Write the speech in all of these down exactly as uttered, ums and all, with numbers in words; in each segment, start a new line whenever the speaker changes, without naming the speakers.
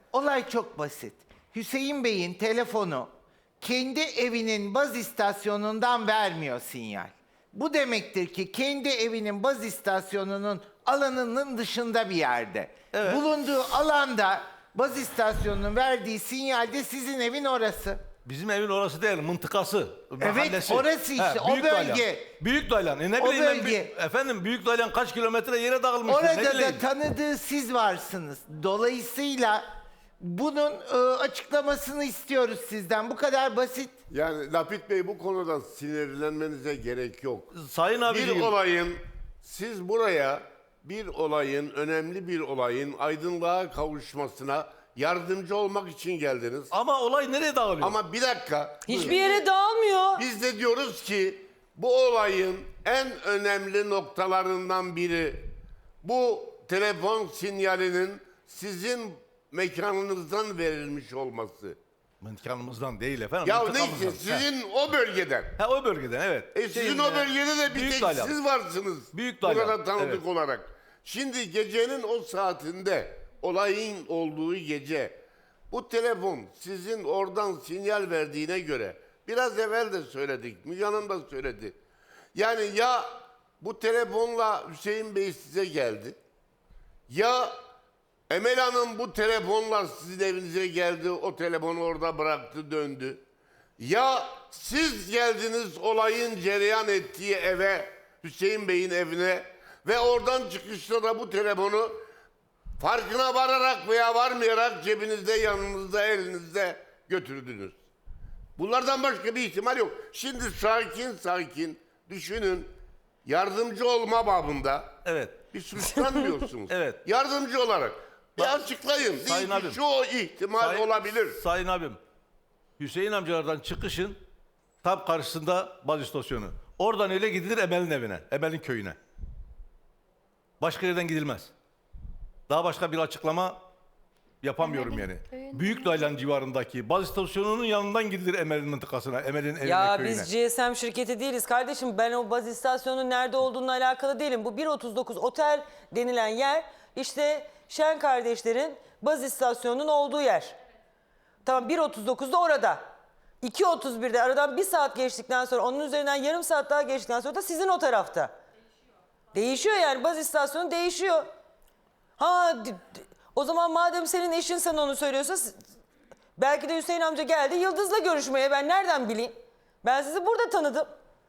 Olay çok basit. Hüseyin Bey'in telefonu kendi evinin baz istasyonundan vermiyor sinyal. Bu demektir ki kendi evinin baz istasyonunun alanının dışında bir yerde.
Evet.
Bulunduğu alanda baz istasyonunun verdiği sinyalde sizin evin orası.
Bizim evin orası değil, mıntıkası, mahallesi.
orası işte, o
Büyük
bölge.
Daylan. Büyük Daylan. E ne
O
bileyim ben,
bölge.
bir- efendim Büyük Daylan kaç kilometre yere dağılmıştır, ne
Orada
bileyim.
da tanıdığı siz varsınız. Dolayısıyla bunun e, açıklamasını istiyoruz sizden. Bu kadar basit.
Yani Lapit Bey, bu konuda sinirlenmenize gerek yok.
Sayın
Bir
abiciğim,
olayın, siz buraya bir olayın, önemli bir olayın aydınlığa kavuşmasına yardımcı olmak için geldiniz.
ama olay nereye dağılıyor?
Ama bir dakika.
Hiçbir yere dağılmıyor.
Biz de diyoruz ki bu olayın en önemli noktalarından biri bu telefon sinyalinin sizin mekanınızdan verilmiş olması.
Mıntıkamızdan değil efendim.
Ya
mıntıkamızdan.
neyse, sizin o bölgeden.
Ha, o bölgeden evet.
E sizin
Şeyin,
o
e,
bölgede de bir
Büyük
tek
Daylan.
siz varsınız.
Büyük Daylan,
Burada tanıdık
evet.
olarak. Şimdi gecenin o saatinde, olayın olduğu gece, bu telefon sizin oradan sinyal verdiğine göre, biraz evvel de söyledik, Müge Hanım da söyledi. Yani ya bu telefonla Hüseyin Bey size geldi, ya Emel Hanım bu telefonla sizin evinize geldi, o telefonu orada bıraktı, döndü. Ya siz geldiniz olayın cereyan ettiği eve, Hüseyin Bey'in evine ve oradan çıkışta da bu telefonu farkına vararak veya varmayarak cebinizde, yanınızda, elinizde götürdünüz. Bunlardan başka bir ihtimal yok. Şimdi sakin sakin düşünün, yardımcı olma babında
Evet.
bir suçlanmıyorsunuz.
Evet.
Yardımcı olarak. Bir
Bak,
açıklayın.
Sayın
Deyin ki
abim.
şu ihtimal
Sayın-
olabilir.
Sayın abim, Hüseyin amcalardan çıkışın tam karşısında baz istasyonu. Oradan öyle gidilir Emel'in evine, Emel'in köyüne. Başka yerden gidilmez. Daha başka bir açıklama yapamıyorum yani. Büyük Daylan civarındaki baz istasyonunun yanından gidilir Emel'in mıntıkasına, Emel'in evine,
Ya
köyüne.
biz G S M şirketi değiliz kardeşim. Ben o baz istasyonunun nerede olduğunla alakalı değilim. Bu bir otuz dokuz otel denilen yer işte Şen kardeşlerin baz istasyonunun olduğu yer. Tamam, bir otuz dokuzda orada. iki otuz birde aradan bir saat geçtikten sonra, onun üzerinden yarım saat daha geçtikten sonra da sizin o tarafta. Değişiyor yani, baz istasyonu değişiyor. Ha d- d- o zaman madem senin eşin sana onu söylüyorsa s- belki de Hüseyin amca geldi Yıldız'la görüşmeye, ben nereden bileyim? Ben sizi burada tanıdım.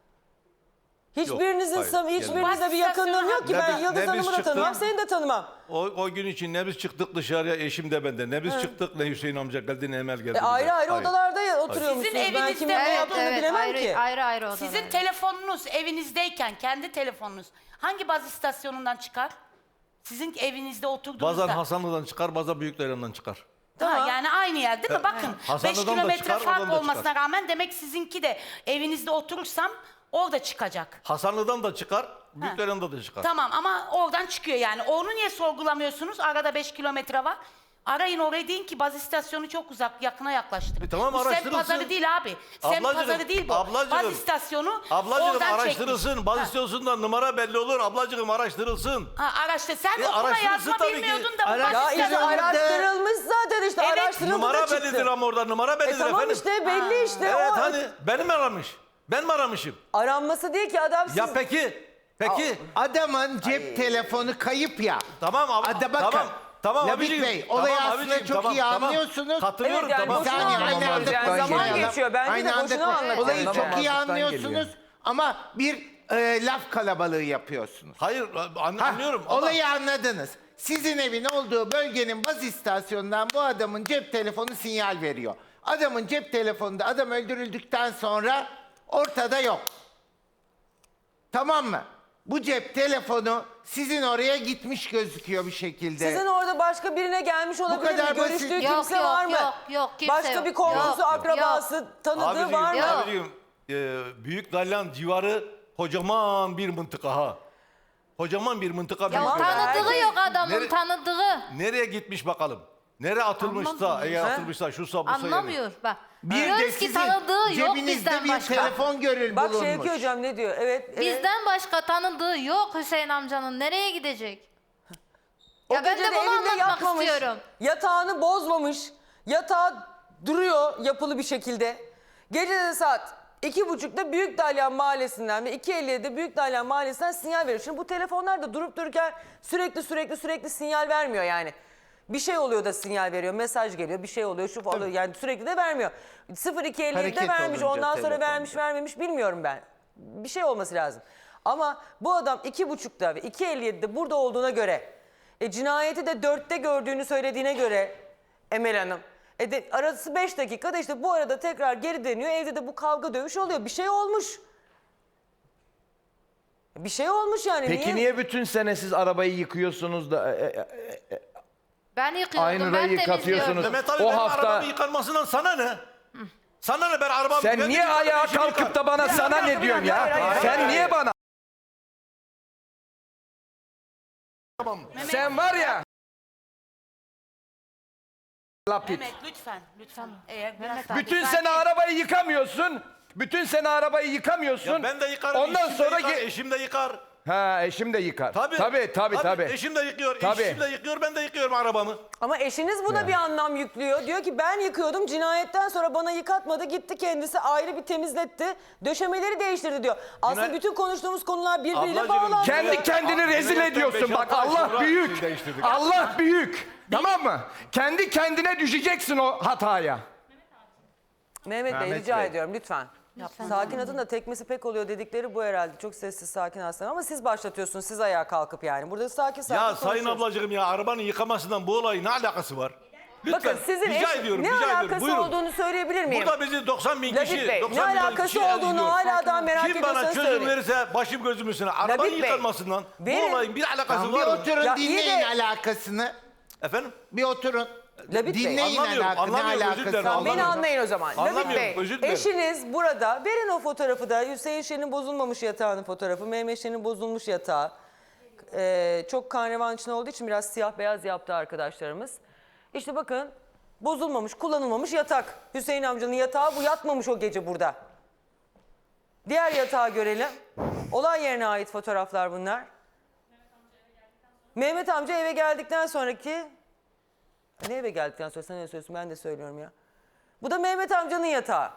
Hiçbirinizin
hayır,
sam-
gelmedi.
hiçbirinizle bir yakınlığım yok ki.
Ne
Ben
biz-
Yıldız
ne biz
Hanım'ı da
çıktık-
tanımam, seni de tanımam.
O, o gün için ne biz çıktık dışarıya, eşim de bende. Ne biz çıktık, ne Hüseyin amca geldi, ne Emel geldi.
E,
bize.
ayrı ayrı
Hayır.
odalarda ya- oturuyormuşsunuz.
Sizin
Ben
evinizde
kimin ne
Evet,
yaptığını
evet,
bilemem
ayrı,
ki.
ayrı ayrı odalar.
Sizin telefonunuz evinizdeyken kendi telefonunuz hangi baz istasyonundan çıkar? Sizin evinizde oturduğunuzda.
Bazen Hasanlı'dan çıkar, bazen Büyük Daylan'dan çıkar.
Ha,
Tamam.
yani aynı yer değil mi? Bakın beş
Hasanlı'dan da
kilometre
çıkar,
fark
oradan da
olmasına
çıkar.
rağmen demek sizinki de evinizde oturursam orada çıkacak.
Hasanlı'dan da çıkar, Büyük Daylan'dan da çıkar.
Tamam ama oradan çıkıyor yani. Onu niye sorgulamıyorsunuz? Arada beş kilometre var. Arayın oraya, deyin ki baz istasyonu çok uzak, yakına yaklaştırın.
E tamam,
bu semt
araştırılsın.
pazarı değil abi. Semt
Ablacığım,
pazarı değil bu.
ablacığım,
baz istasyonu
Ablacığım
oradan
araştırılsın,
çekmiş.
baz
Ha.
istasyonundan numara belli olur. Ablacığım araştırılsın.
Ha, araştır. Sen
E,
okuma
araştırılsın
yazma
tabii ki.
bilmiyordun da bu
Ara-
baz
Ya işte
istasyonu-
İran'da-
araştırılmış zaten, işte
Evet.
araştırıldı da
Numara
çıktı.
bellidir ama orada numara bellidir
E tamam
efendim.
işte belli işte.
Evet
o
hani benim aramış. Ben mi aramışım?
aranması değil ki adam siz...
Ya peki, peki.
Adamın cep telefonu kayıp ya.
Tamam abi.
Hadi bakın.
Tamam. Tamam
Labit
abicim.
Bey, olayı
tamam
aslında
abicim,
çok
tamam,
iyi
tamam.
anlıyorsunuz.
Katılıyorum
Evet, yani
tamam.
boşuna
saniye,
anlatıyoruz
aynı anda
yani. Zaman
konuşmayalım.
geçiyor. Bence
Aynı
de
anda
boşuna
kon-
anlatıyoruz.
Olayı çok iyi
Anlamamazlıktan
anlıyorsunuz
geliyor.
ama bir e, laf kalabalığı yapıyorsunuz.
Hayır an-
Ha,
anlıyorum ama
Olayı anladınız. Sizin evin olduğu bölgenin baz istasyonundan bu adamın cep telefonu sinyal veriyor. Adamın cep telefonunda adam öldürüldükten sonra ortada yok. Tamam mı? Bu cep telefonu sizin oraya gitmiş gözüküyor bir şekilde.
Sizin orada başka birine gelmiş olabilir
kadar
mi?
basit.
Görüştüğü
Yok,
kimse
yok,
var mı?
yok, yok, kimse
Başka
yok.
bir komşusu,
Yok,
akrabası, tanıdığı
abicim,
var mı?
Yok.
abicim e, Büyük Dalyan civarı kocaman bir mıntıka ha. Kocaman bir mıntıka.
Ya
Büyük Dalyan.
tanıdığı
herkes-
yok adamın,
Nere-
tanıdığı.
Nereye gitmiş bakalım? Nereye atılmışsa,
Anlamıyor.
eğer
He?
atılmışsa şusa busa yani.
Anlamıyor bak.
Bir de
Diyoruz ki
sizin
tanıdığı yok
cebinizde
bizden
bir
başka.
telefon görül
Bak
bulunmuş.
Şevki hocam ne diyor? Evet. evet.
Bizden başka tanıdığı yok Hüseyin amcanın. Nereye gidecek?
O
Ya ben
gece
de bunu
evinde
anlatmak
yatmamış,
istiyorum.
yatağını bozmamış, yatağı duruyor yapılı bir şekilde. Gece de saat iki buçukta Büyük Dalyan Mahallesi'nden ve iki elli yedide Büyük Dalyan Mahallesi'nden sinyal veriyor. Şimdi bu telefonlar da durup dururken sürekli sürekli sürekli sinyal vermiyor yani. Bir şey oluyor da sinyal veriyor, mesaj geliyor, bir şey oluyor, şu falan oluyor. Yani sürekli de vermiyor. sıfır iki elli yedide
Hareket
vermiş,
olunca
ondan sonra
telefonda.
vermiş vermemiş bilmiyorum ben. Bir şey olması lazım. Ama bu adam iki buçukta ve iki elli yedide burada olduğuna göre, e, cinayeti de dörtte gördüğünü söylediğine göre Emel Hanım, e de, arası beş dakikada işte bu arada tekrar geri dönüyor. Evde de bu kavga dövüş oluyor. Bir şey olmuş. Bir şey olmuş yani.
Peki niye bütün sene siz arabayı yıkıyorsunuz da e, e, e,
Ben yıkıyordum,
aynı
ben
rayı
temizliyordum.
katıyorsunuz?
Mehmet abi
O
benim
hafta
arabamın yıkanmasından sana ne? Sana ne, ben arabamı...
sen
ben
niye
yıkarım,
ayağa
eşim
kalkıp
yıkar.
da bana
Ya,
sana
bir dakika,
ne
bir
diyorsun
dakika,
ya?
hayır, hayır,
Sen
hayır,
niye
hayır.
bana? Sen var ya. Lapit.
Mehmet lütfen, lütfen. Eğer biraz
Mehmet abi,
Bütün
sakin-
sene arabayı yıkamıyorsun. Bütün sene arabayı yıkamıyorsun.
Ya ben de yıkarım,
Ondan
eşim
sonra
de yıkar,
ge-
eşim de yıkar.
Ha, eşim de yıkar.
Tabii.
Tabii tabii tabii.
Eşim de yıkıyor,
Tabii.
eşim de yıkıyor, ben de yıkıyorum arabamı.
Ama eşiniz buna bir anlam yüklüyor. Diyor ki ben yıkıyordum, cinayetten sonra bana yıkatmadı, gitti kendisi ayrı bir temizletti, döşemeleri değiştirdi diyor. Aslında
Günay-
bütün konuştuğumuz konular birbiriyle
Ablacığım,
bağlantılı.
Kendi
Ya,
kendini
Aa,
rezil
Mehmet'ten
ediyorsun
beş
bak.
altı ay
Allah
sonra
büyük.
şey değiştirdik.
Allah büyük. Tamam mı? Kendi kendine düşeceksin o hataya.
Mehmet Bey
Mehmet
rica
Bey.
ediyorum lütfen. Sakin adın da tekmesi pek oluyor dedikleri bu herhalde. Çok sessiz sakin aslında ama siz başlatıyorsunuz, siz ayağa kalkıp yani. Burada sakin sakin
Ya sayın
konuşuyoruz.
ablacığım ya, arabanın yıkamasından bu olayın ne alakası var? Lütfen,
Bakın sizin
rica
eş-
ediyorum,
ne
rica ediyorum.
alakası
Buyurun.
olduğunu söyleyebilir miyim?
Burada bizi doksan bin
Labit
kişi,
Bey, ne
doksan bin
alakası
kişi
olduğunu
izliyor.
hala daha merak
Kim bana
ediyorsanız
çözüm
söyleyin.
verirse başım gözüm üstüne. Arabanın
Labit Bey,
yıkanmasından
verin.
bu olayın bir alakası
Tamam, bir
var mı?
oturun
Ya iyi
dinleyin
de-
alakasını.
Efendim?
Bir oturun.
Labit Bey,
dinleyin
anlamıyorum,
alakası. Ne
anlamıyorum, özür
alakası
dilerim,
var?
Tamam, beni
Anlamıyorum.
anlayın o zaman. Labit
Anlamıyorum,
Bey,
özür dilerim.
eşiniz burada. Verin o fotoğrafı da. Hüseyin Şen'in bozulmamış yatağının fotoğrafı. Mehmet Şen'in bozulmuş yatağı. Ee, çok kan revan içinde olduğu için biraz siyah beyaz yaptı arkadaşlarımız. İşte bakın, bozulmamış, kullanılmamış yatak. Hüseyin amcanın yatağı bu, yatmamış o gece burada. Diğer yatağı görelim. Olay yerine ait fotoğraflar bunlar. Mehmet amca eve geldikten sonraki... Ne eve geldikten sonra sen ne söylüyorsun, ben de söylüyorum ya. Bu da Mehmet amcanın yatağı.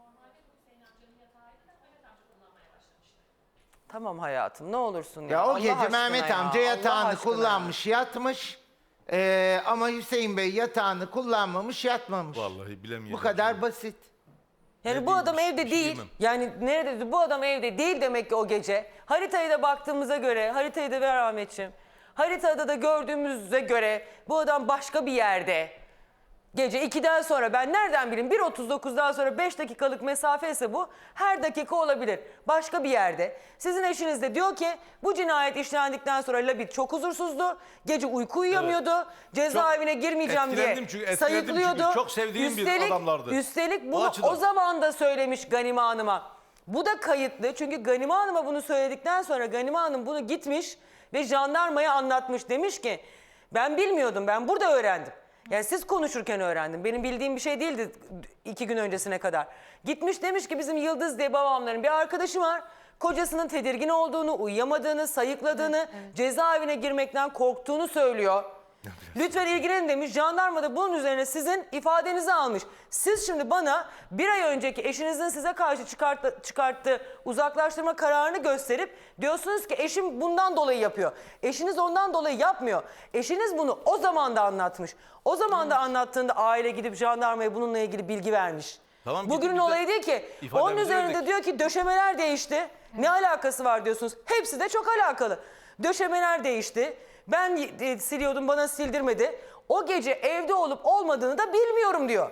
Tamam hayatım, ne olursun ya.
Ya o
Allah
gece
aşkına
Mehmet
ya,
amca
Allah
yatağını
aşkına.
kullanmış, yatmış. Ee, ama Hüseyin Bey yatağını kullanmamış, yatmamış.
Vallahi bilemiyorum.
Bu kadar basit.
Yani
Ne
bu adam
diyeyim,
evde
bir şey
değil.
diyemem.
Yani nerede bu adam evde değil demek ki o gece. Haritaya da baktığımıza göre, haritayı da ver Ahmetciğim. Haritada da gördüğümüze göre bu adam başka bir yerde. Gece ikiden sonra ben nereden bileyim bir otuz dokuzdan sonra beş dakikalık mesafe ise bu her dakika olabilir. Başka bir yerde. Sizin eşiniz de diyor ki bu cinayet işlendikten sonra Labit çok huzursuzdu. Gece uyku uyuyamıyordu. Cezaevine girmeyeceğim diye
etkilendim çünkü, etkilendim çünkü.
sayıklıyordu.
Çok sevdiğim bir
üstelik,
adamlardı.
Üstelik
O
bunu
açıdan.
o zaman da söylemiş Ganime Hanım'a. Bu da kayıtlı çünkü Ganime Hanım'a bunu söyledikten sonra Ganime Hanım bunu gitmiş ve jandarmaya anlatmış. Demiş ki ben bilmiyordum, ben burada öğrendim. Yani siz konuşurken öğrendim. Benim bildiğim bir şey değildi iki gün öncesine kadar. Gitmiş demiş ki bizim Yıldız diye babamların bir arkadaşı var. Kocasının tedirgin olduğunu, uyuyamadığını, sayıkladığını, cezaevine girmekten korktuğunu söylüyor. Lütfen ilgilenin demiş. Jandarma da bunun üzerine sizin ifadenizi almış. Siz şimdi bana bir ay önceki eşinizin size karşı çıkarttı, çıkarttığı uzaklaştırma kararını gösterip diyorsunuz ki eşim bundan dolayı yapıyor. Eşiniz ondan dolayı yapmıyor. Eşiniz bunu o zaman da anlatmış. O zaman da anlattığında aile gidip jandarmaya bununla ilgili bilgi vermiş.
Tamam, gidip
Bugünün
biz de
olayı değil ki. Onun
ifademizi
üzerinde
verdik.
diyor ki döşemeler değişti. Ne alakası var diyorsunuz. Hepsi de çok alakalı. Döşemeler değişti. Ben e, siliyordum, bana sildirmedi. O gece evde olup olmadığını da bilmiyorum diyor.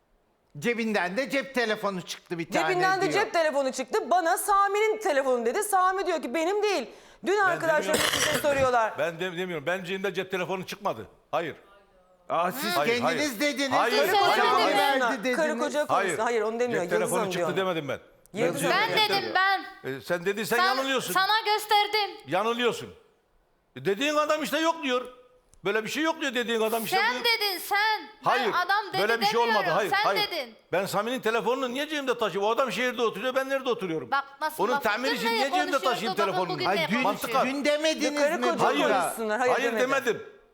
Cebinden de cep telefonu çıktı bir tane
Cebinden de
diyor.
cep telefonu çıktı. Bana Sami'nin telefonu dedi. Sami diyor ki benim değil. Dün arkadaşlarım
demiyorum.
size soruyorlar.
Ben de, demiyorum. Ben cebimde cep telefonu çıkmadı. Hayır.
Aa, siz
Hayır,
kendiniz
hayır.
dediniz.
Hayır,
karı
hayır,
koca
hayır.
mı verdi
Karı
dediniz.
koca
Hayır.
konusunda. Hayır onu demiyor.
Cep
Yıldız
telefonu
Hanım
çıktı
diyor.
demedim ben.
Yıldız
Ben
Hanım.
dedim ben.
E, sen dediysen
Sen-
yanılıyorsun.
Sana gösterdim.
Yanılıyorsun. E, dediğin adam işte yok diyor. Böyle bir şey yok diyor dediğin adam işte.
Sen
bu-
dedin sen.
Hayır.
Ben adam dedi
böyle bir şey olmadı.
demiyorum.
Hayır.
Sen
hayır.
dedin.
Ben Sami'nin telefonunu niye cebimde taşıyayım? O adam şehirde oturuyor, ben nerede oturuyorum?
Bak nasıl
Onun
laf
tamir
ettin
için
de
niye cebimde
konuşuyordu,
taşıyayım
bakın
telefonumu?
bugün
Ay
ne
dün,
Mantıklı.
dün demediniz
Karı
mi
koca
Hayır.
burada?
konuşsunlar. Hayır,
Hayır,
demedi.
demedim.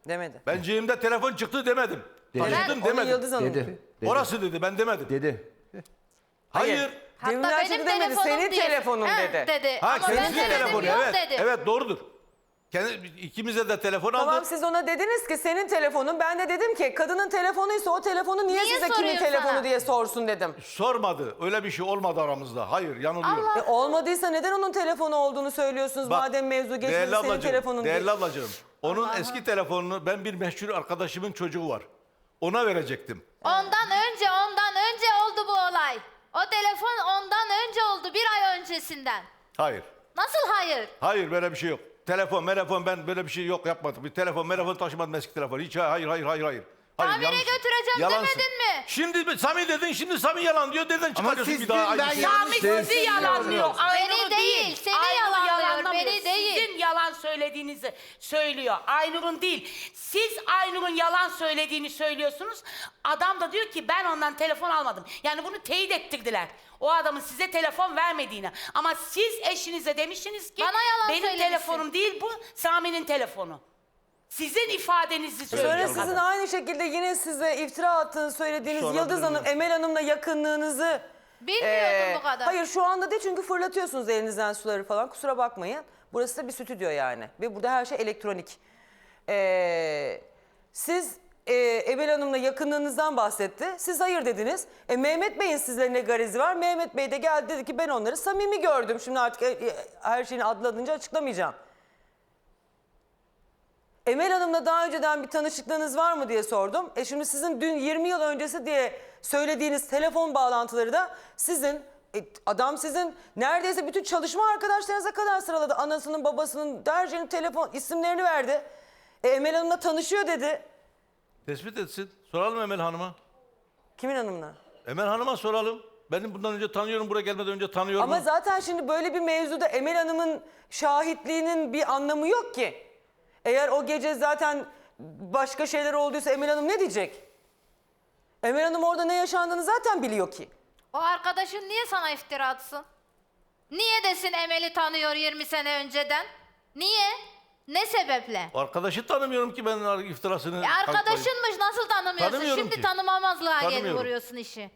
Demedi.
Ben cebimde telefon çıktı demedim. Taşıdım
Onu
demedim.
Yıldız Hanım.
Dedi. dedi.
Orası dedi, ben demedim.
Dedi.
Hayır.
Hatta
Demirler
benim
şimdi demedi,
telefonum
senin
diye-
telefonun
Ha,
dedi.
dedi.
Ha,
Ama ben
kendisi
demedim,
telefonu,
yok
evet.
dedi.
Evet, doğrudur. Kendi, ikimize de telefon
Tamam
aldı.
siz ona dediniz ki senin telefonun. Ben de dedim ki kadının telefonuysa o telefonu niye,
Niye
size kimin
soruyor
telefonu
sana?
diye sorsun dedim.
Sormadı. Öyle bir şey olmadı aramızda. Hayır, yanılıyor.
E, olmadıysa neden onun telefonu olduğunu söylüyorsunuz
Bak,
madem mevzu geçmedi
değerli
senin
ablacığım,
telefonun
değerli
değil.
ablacığım. Onun eski telefonunu ben bir meşhur arkadaşımın çocuğu var. Ona verecektim.
Ondan önce, ondan önce oldu bu olay. O telefon ondan önce oldu, bir ay öncesinden.
Hayır.
Nasıl hayır?
Hayır, böyle bir şey yok. Telefon, telefon ben böyle bir şey yok yapmadım. Bir telefon, telefon taşımadım eski telefon. Hiç hayır, hayır, hayır, hayır. Hayır,
Tamire
yanlış.
götüreceğim
Yalansın.
demedin mi?
Şimdi Sami dedin, şimdi Sami yalan diyor. Dedin çıkarıyorsun
siz
bir daha.
dün ben
aynı şeyi.
yanlış-
Sami
Siz-
sizi yalanlıyor. Aynur'u
Beni değil, seni
Aynur'u
yalanlıyor,
yalanlamıyor.
beni değil.
Sizin yalan söylediğinizi söylüyor. Aynur'un değil. Siz Aynur'un yalan söylediğini söylüyorsunuz. Adam da diyor ki ben ondan telefon almadım. Yani bunu teyit ettirdiler. O adamın size telefon vermediğini. Ama siz eşinize demişsiniz ki
Bana yalan
benim
söylemişsin.
telefonum değil bu Sami'nin telefonu. Sizin ifadenizi
Sonra
söylüyor.
sizin
kadın.
aynı şekilde yine size iftira attığını söylediğiniz
Sorabilir
Yıldız Hanım,
miyim?
Emel Hanım'la yakınlığınızı...
Bilmiyordum
Ee,
bu kadar.
Hayır şu anda değil çünkü fırlatıyorsunuz elinizden suları falan. Kusura bakmayın. Burası da bir stüdyo yani. Ve burada her şey elektronik. Ee, siz e, Emel Hanım'la yakınlığınızdan bahsetti. Siz hayır dediniz. E, Mehmet Bey'in sizle ne garezi var? Mehmet Bey de geldi dedi ki ben onları samimi gördüm. Şimdi artık e, e, her şeyini adlanınca açıklamayacağım. Emel Hanım'la daha önceden bir tanışıklığınız var mı diye sordum. E şimdi sizin dün yirmi yıl öncesi diye söylediğiniz telefon bağlantıları da sizin, e, adam sizin neredeyse bütün çalışma arkadaşlarınıza kadar sıraladı. Anasının, babasının, dercenin telefon isimlerini verdi. E, Emel Hanım'la tanışıyor dedi.
Tespit etsin. Soralım Emel Hanım'a.
Kimin hanımla?
Emel Hanım'a soralım. Benim bundan önce tanıyorum, buraya gelmeden önce tanıyorum.
Ama zaten şimdi böyle bir mevzuda Emel Hanım'ın şahitliğinin bir anlamı yok ki. Eğer o gece zaten başka şeyler olduysa Emel Hanım ne diyecek? Emel Hanım orada ne yaşandığını zaten biliyor ki.
O arkadaşın niye sana iftira atsın? Niye desin Emel'i tanıyor yirmi sene önceden? Niye? Ne sebeple?
Arkadaşı tanımıyorum ki ben iftirasını...
E
kalkmayayım.
arkadaşınmış, nasıl tanımıyorsun?
Tanımıyorum
Şimdi
ki.
tanımamazlığa gelip
Tanımıyorum.
vuruyorsun işi.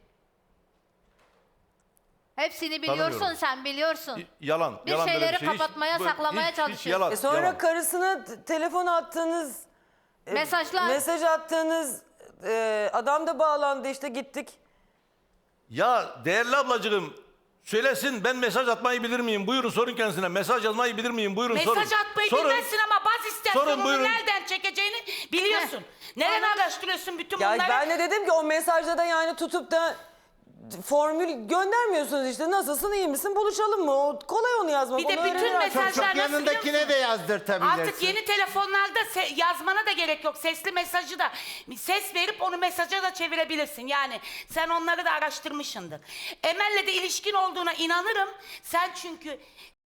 Hepsini biliyorsun,
Tanımıyorum.
sen biliyorsun.
Yalan.
Bir
yalan böyle
şeyleri
şey. Hiç-
kapatmaya,
bu-
saklamaya
hiç- hiç
çalışıyorsun.
yalan,
E sonra
yalan.
karısına t- telefon attığınız, e,
Mesajlar.
mesaj attığınız e, adam da bağlandı işte gittik.
Ya değerli ablacığım söylesin, ben mesaj atmayı bilir miyim? Buyurun sorun kendisine. Mesaj yazmayı bilir miyim? Buyurun sorun.
Mesaj atmayı
Sorun.
bilmezsin ama baz
Sorun,
istasyonunu
buyurun.
nereden çekeceğini biliyorsun. Nereden araştırıyorsun bütün
Ya
bunları?
ben de dedim ki o mesajda da yani tutup da formül göndermiyorsunuz işte. Nasılsın, iyi misin, buluşalım mı? O, kolay onu yazmak.
Bir de
onu
bütün
öğrenirler.
mesaj-
Çok
Mesajlar
çok
nasıl
yanındakine
biliyor
de yazdırtabilirsin.
Artık yeni telefonlarda se- yazmana da gerek yok. Sesli mesajı da ses verip onu mesaja da çevirebilirsin. Yani sen onları da araştırmışsındır. Emel'le de ilişkin olduğuna inanırım. Sen çünkü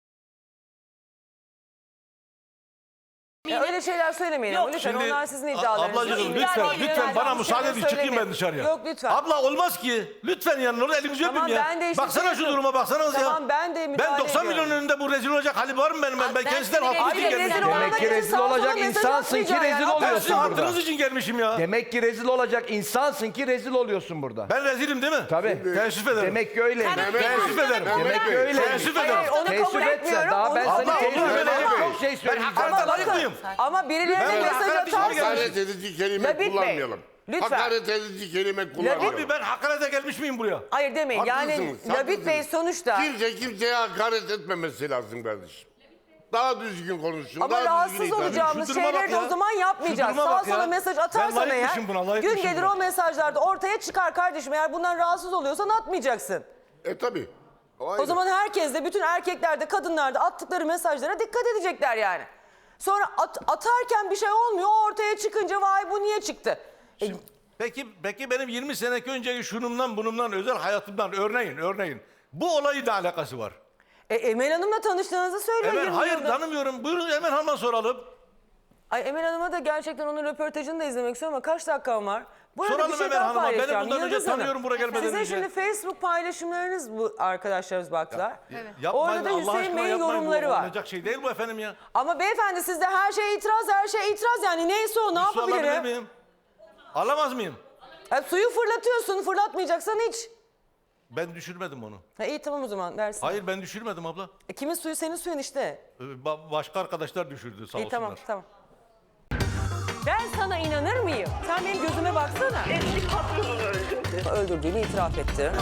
Ya öyle şeyler söylemeyin
Yok,
ama lütfen
Şimdi,
onlar sizin
a-
iddialarınız.
Ablacığım
Yok,
lütfen,
iddia değil,
lütfen
yani.
bana
Yok,
müsaade
şeyler
edin çıkayım ben
söylemeyin.
dışarıya.
Yok, lütfen.
Abla olmaz ki. Lütfen yanına orada elinizi
Tamam,
öpeyim ya.
ben de işte
Baksana şu
şey-
duruma baksanız ya.
Tamam, ben de müdahale
Ben doksan milyon
ediyorum.
önünde bu rezil olacak hali var mı benim? Ben,
Abi
ben
ben
kendisinden
seni
hakkınız
rezil
için
Hayır,
gelmişim.
rezil
Demek
olmak
ki
için
rezil
sağa sola
olacak
mesaj
insansın ki
atmayacaksın
rezil
ya.
oluyorsun
Ben sizin
burada.
hakkınız için gelmişim ya.
Demek ki rezil olacak insansın ki rezil oluyorsun burada.
Ben rezilim değil mi?
Tabii.
Teessüf ederim.
Demek ki öyle.
Sen-
Teessüf ederim.
Demek ki öyle.
Teessüf
Hayır,
ederim.
onu
Teessüf
kabul
etse
etmiyorum.
daha ben
Onu-
seni
Abla,
teessüf
olur böyle
edecek
ama-
çok şey
Ben
söyleyeceğim.
hakaret
Ama
layık mıyım?
bakın, ama birilerine
Ben
mesaj
hakaret için
atarsanız...
gelmişim.
Hakaret edici kelime
Labit Bey,
kullanmayalım.
lütfen.
Hakaret edici kelime kullanmayalım.
Abi ben hakarete gelmiş miyim buraya?
Hayır demeyin. Yani
Haklısınız,
Labit Bey
haklısınız.
sonuçta...
Kimse kimseye hakaret etmemesi lazım kardeşim. Daha düzgün konuşsun.
Ama
daha
rahatsız
düzgün hitap edin.
olacağımız
Şu duruma
şeyleri
bak
de
ya.
o zaman yapmayacağız.
Şu duruma
Sağa
bak ya.
sola mesaj
Ben
atarsan eğer
layıkmışım buna,
gün
layıkmışım
gelir
buna.
o mesajlarda ortaya çıkar kardeşim. Eğer bundan rahatsız oluyorsan atmayacaksın.
E tabi.
O zaman herkes de bütün erkekler de kadınlar da attıkları mesajlara dikkat edecekler yani. Sonra at- atarken bir şey olmuyor. O ortaya çıkınca vay bu niye çıktı? E,
Peki peki benim yirmi sene önceki şunumdan bunumdan özel hayatımdan örneğin örneğin bu olayı da alakası var.
e, Emel Hanım'la tanıştığınızı söylüyor.
Emel
yirmi
hayır
yılda.
tanımıyorum. Buyurun Emel Hanım'a soralım.
Ay Emel Hanım'a da gerçekten onun röportajını da izlemek istiyorum ama kaç dakikam var? Burada
Soralım
bir şey
Emel
daha
Hanım'a. Beni
paylaşacağım.
bundan önce
Yıldız Hanım,
tanıyorum buraya gelmeden
Sizin
önce.
şimdi Facebook paylaşımlarınız bu arkadaşlarımız baktılar.
Yapmayın,
Orada da
Allah
Hüseyin
aşkına
Bey'in
yapmayın.
yorumları
Bu
var.
olacak şey değil bu efendim ya.
Ama beyefendi sizde her şeye itiraz, her şeye itiraz yani neyse o ne
Bir su alabilir
yapabilirim?
miyim? Alamaz mıyım?
Ha, suyu fırlatıyorsun, fırlatmayacaksan hiç.
Ben düşürmedim onu.
Ha, iyi tamam o zaman dersin.
Hayır ben düşürmedim abla.
E, kimin suyu senin suyun işte.
Ee, ba- Başka arkadaşlar düşürdü sağ
İyi
olsunlar.
tamam tamam. Ben sana inanır mıyım? Sen benim gözüme baksana.
Eski patronunu öldürdü.
Öldürdüğünü itiraf etti.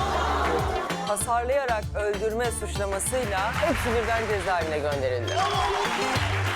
Hasarlayarak öldürme suçlamasıyla hepsi birden cezaevine gönderildi.